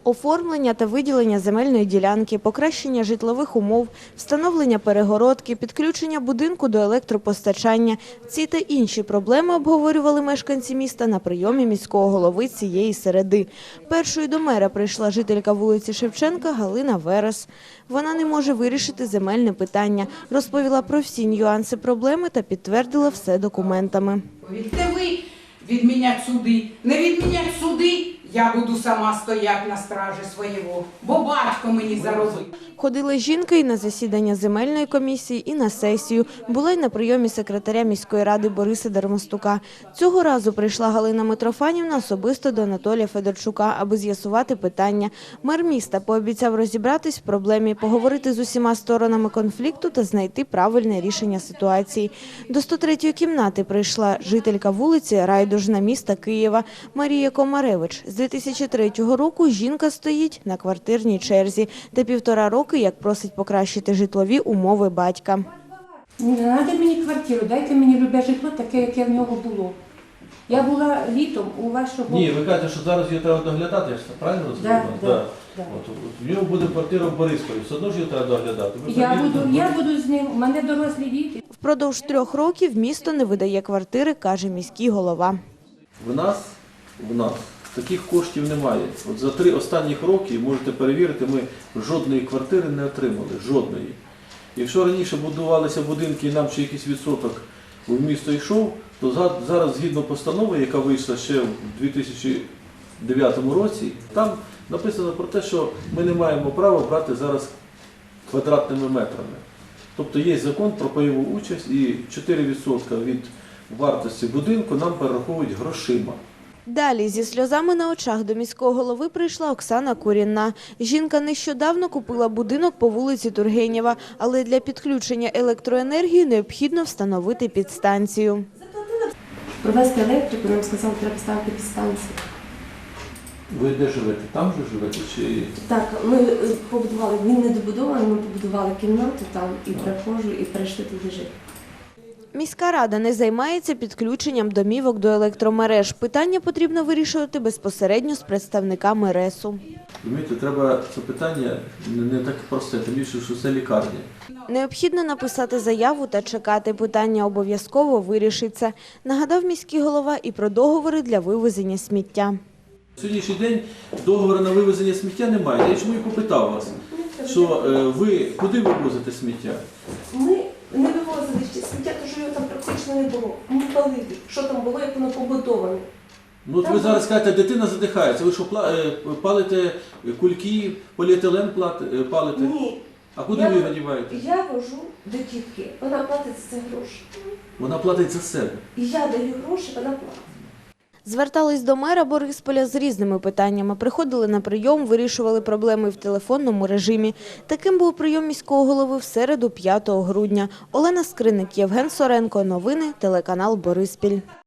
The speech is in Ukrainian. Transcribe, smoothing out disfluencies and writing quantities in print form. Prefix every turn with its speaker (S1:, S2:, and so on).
S1: Оформлення та виділення земельної ділянки, покращення житлових умов, встановлення перегородки, підключення будинку до електропостачання – ці та інші проблеми обговорювали мешканці міста на прийомі міського голови цієї середи. Першою до мера прийшла жителька вулиці Шевченка Галина Верес. Вона не може вирішити земельне питання, розповіла про всі нюанси проблеми та підтвердила все документами.
S2: Не ви відміняти суди, не відміняти суди, я буду сама стояти на стражі свого, бо батько мені заробив.
S1: Ходила жінка і на засідання земельної комісії, і на сесію. Була й на прийомі секретаря міської ради Бориса Дармостука. Цього разу прийшла Галина Митрофанівна особисто до Анатолія Федорчука, аби з'ясувати питання. Мер міста пообіцяв розібратись в проблемі, поговорити з усіма сторонами конфлікту та знайти правильне рішення ситуації. До 103-ї кімнати прийшла жителька вулиці Райдужна міста Києва Марія Комаревич. З 2003 року жінка стоїть на квартирній черзі та 1,5 роки, як просить покращити житлові умови батька.
S3: Не треба мені квартиру, дайте мені любе житло, таке, яке в нього було. Я була літом у вашого...
S4: Ні, ви кажете, що зараз її треба доглядати, я ж правильно розумію?
S3: Да.
S4: В нього буде квартира в Борисполі, все одно ж її треба доглядати.
S3: Я буду з ним, у мене дорослі діти.
S1: Впродовж 3 років місто не видає квартири, каже міський голова.
S4: В нас таких коштів немає. От за 3 останніх роки, можете перевірити, ми жодної квартири не отримали, жодної. Якщо раніше будувалися будинки і нам ще якийсь відсоток в місто йшов, то зараз згідно постанови, яка вийшла ще в 2009 році, там написано про те, що ми не маємо права брати зараз квадратними метрами. Тобто є закон про пайову участь і 4% від вартості будинку нам перераховують грошима.
S1: Далі зі сльозами на очах до міського голови прийшла Оксана Курінна. Жінка нещодавно купила будинок по вулиці Тургенєва, але для підключення електроенергії необхідно встановити підстанцію.
S3: Провести електрику, нам сказали, треба ставити підстанцію.
S4: Ви де живете? Там же живете? Чи...
S3: Так, ми побудували, він не добудований, ми побудували кімнату там і прихожу, і прийшли туди жити.
S1: Міська рада не займається підключенням домівок до електромереж. Питання потрібно вирішувати безпосередньо з представниками РЕСу.
S4: Розумієте, треба це питання не так просте, тим більше, що це лікарня.
S1: Необхідно написати заяву та чекати. Питання обов'язково вирішиться. Нагадав міський голова і про договори для вивезення сміття.
S4: Сьогоднішній день договору на вивезення сміття немає. Я чому і попитав вас, що ви куди вивозите сміття?
S3: Ми не вивозили ще сміття, тому що його там практично не було. Ми палили, що там було, як воно побудоване.
S4: Ну от ви зараз кажете, дитина задихається. Ви що, палите кульки, поліетилен палите?
S3: Ні.
S4: А куди ви його діваєте?
S3: Я вожу до тітки, вона платить за це гроші.
S4: Вона платить за себе.
S3: І я даю гроші, вона платить.
S1: Звертались до мера Борисполя з різними питаннями. Приходили на прийом, вирішували проблеми в телефонному режимі. Таким був прийом міського голови в середу 5 грудня. Олена Скриник, Євген Соренко. Новини, телеканал Бориспіль.